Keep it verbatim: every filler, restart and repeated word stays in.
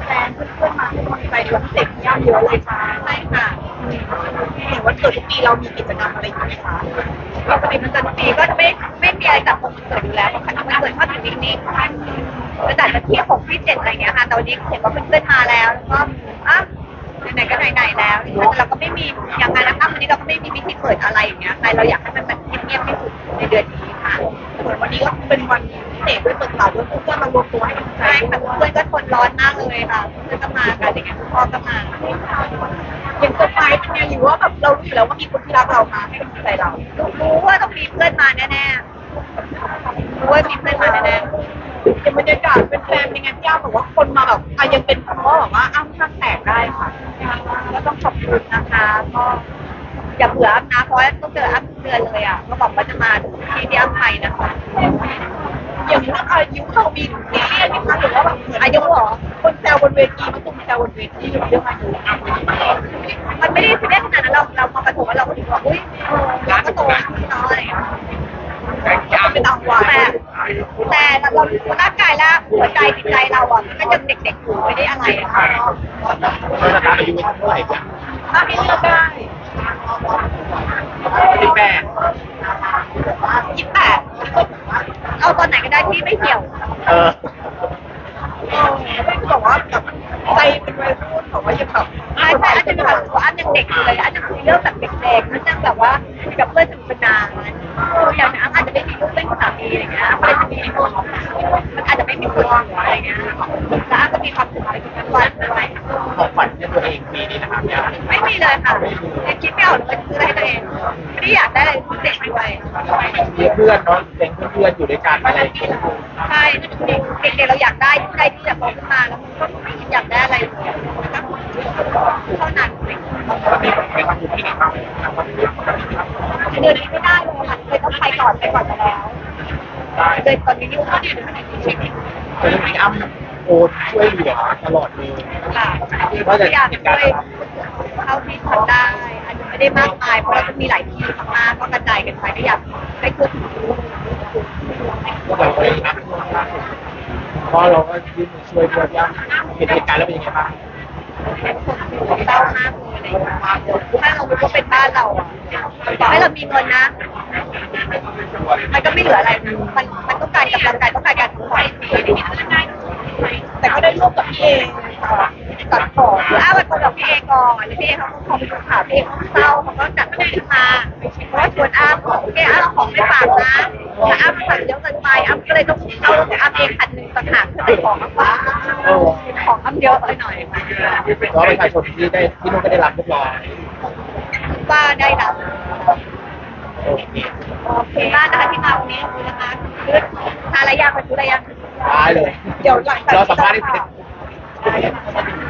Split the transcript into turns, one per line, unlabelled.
แฟนๆเพื่อนๆมาให้กำลังใจในวันพิเศษที่ย่าเยอะเลยค่ะใช่ค่ะเห็นวันเกิดทุกปีเรามีกิจกรรมอะไรอยู่ไหมคะปกติมันจะทุกปีก็จะไม่ไม่มีอะไรจัดวันเกิดอยู่แล้วเพราะคันวันเกิดชอบอยู่นิ่งๆจะจัดวันที่หกที่เจ็ดอะไรเงี้ยค่ะแต่วันนี้เห็นว่าเพื่อนๆมาแล้วแล้วก็อ่ะไหนๆก็ไหนๆแล้วแต่เราก็ไม่มีอย่างนั้นนะคะวันนี้เราก็ไม่มีพิธีเปิดอะไรอย่างเงี้ยใครเราอยากให้มันแบบเงียบๆที่สุดในเดือนนี้ค่ะส่วนวันนี้ก็เป็นวันพิเศษด้วยเปิดตลาดด้วยเพื่อนๆมารวมตัวให้กำลังใจค่ะเพื่อนก็ทนร้อนมากเลยค่ะเพื่อนก็มากันอย่างเงี้ยพ่อก็มาอย่างเซอร์ไพรส์เป็นไงหรือว่าแบบเรารู้อยู่แล้วว่ามีคนที่รักเรามาให้กำลังใจเรารู้ว่าต้องมีเพื่อนมาแน่ๆรู้ว่ามีเพื่อนมาแน่ๆอย่างบรรยากาศเป็นแฟนยังไงพี่ย่าบอกว่าคนมาแบบอ่ะยังเป็นเพราะแบบว่าอ้ำข้างแตกได้ค่ะก็ต้องขอบคุณนะคะก็อย่าเบื่ออ้ำนะเพราะว่าต้องเจออ้ำทุกเดือนเลยอ่ะก็บอกว่าจะมาที่ที่อ้ำไปนะคะอย่างเรื่องอายุเรามีซีเรียสไหมคะหรือว่าแบบอายุเหรอคนแซวบนเวทีมันตุ้มแซวบนเวทีเรื่องอายุมันไม่ได้ซีเรียสขนาดนั้นเราเรามาประถมว่าเราก็ถึงว่าอุ้ยเราก็โตขึ้นเนาะอะไรอย่างเงี้ยก็เป็นเอาไว้แต่แต่เราร่างกายและหัวใจจิตใจเราอ่ะมันก็ยังเด็กๆอยู่ไม่ได้อะไรอะค่ะ
เราจะตามอายุเท่าไหร่กัน
ถ้าให้เลือกได้
สิบแปด
ยี่สิบแปดเอาตอนไหนก็ได้ที่ไม่เกี่ยว
เออ
เออไม่บอกว่าแบบใจเป็นวัยรุ่นบอกว่ายังแบบใช่ใช่อาจจะมีความรู้สึกว่าอันยังเด็กอยู่เลยอาจจะคุยเรื่องแบบเด็กๆมันยังแบบว่ากับเพื่อนสนุกสนานอย่างนั้นอาจจะไม่มีลูกเป็นสามีอะไรเงี้ยอาจจะมีคนมันอาจจะไม่มีคนอะไรเงี้ยแต่อาจจะมีความสุขอะไรกันทุกวันด้วย
ของขวัญให้ตัวเองปีนี้นะครับเนี่ย
ไม่มีเลยค่ะยังคิดไม่ออกเลยซื้ออะไรให้ตัวเองไม่ได้อยากได้อะไรพิเศษด้วย
มีเพื่อนเนาะเป็นเพื่อนอยู่ด้วยกันอะไรอย่างเงี้ย
ใช่เด็กๆเราอยากได้ได้ที่จะโตขึ้นมาแล้วมันก็ไม่อยากได้อะไรเลยเท่านั้นเอง
มีเป็นความคิดที่ดีมาก
เดือนนี้ไม่ได้เลยค่ะเลยต้องไปก่อนไปก่อนไปแล้วเดือนตอนนี้ยุ่งมากอยู่ในชีวิต
แต่เรื่องนี้อ้ำโอนช่วยเหลือตลอดเลย
ค่ะก็อยากช่วยเท่าที่ทำได้อาจจะไม่ได้มากมายเพราะเราจะมีหลายที่มากๆก็กระจายกันไปก็อยากให้ทั่วถึง
ก็แบบเลยนะเพราะเราก็ยื่นมือช่วยด้วยย่ำเห็นเหตุการณ์แล้วเป็นยังไงบ้าง
เศร้ามากเลยถ้าเรารู้ว่าเป็นบ้านเราอ่ะต่อให้เรามีเงินนะมันก็ไม่เหลืออะไรนะมันมันต้องการกำลังใจต้องการการทุกข์แต่ก็ได้ร่วมกับพี่เอตัดต่อหรืออ้าวันกับพี่เอก่อนหรือพี่เอเขาก็พอไปดูข่าวพี่เอเขาเศร้าเขาก็จัดขึ้นมาเพราะว่าชวนอ้าบอกโอเคอ้าเอาของไปฝากนะแต่อ้าสั่งเยอะเกินไปอ้าก็เลยต้องเอาอ้าเองคันหนึ่งต่างหากเพื่อไปของมาฝากของอ้าเยอะไปหน่อย
แล้วประชาชนที่ได้ที่นู่นก็ได้รับเรียบร้อย
ว่าได้รับ
โอเค
โอเคมากนะคะที่มาวันนี้ขอบคุณนะคะคือทานอะไรยังมาซื้ออะไรยัง
ได้เลย
เดี๋ยวหลังจาก
เราสัมภาษณ์ได้เสร็จ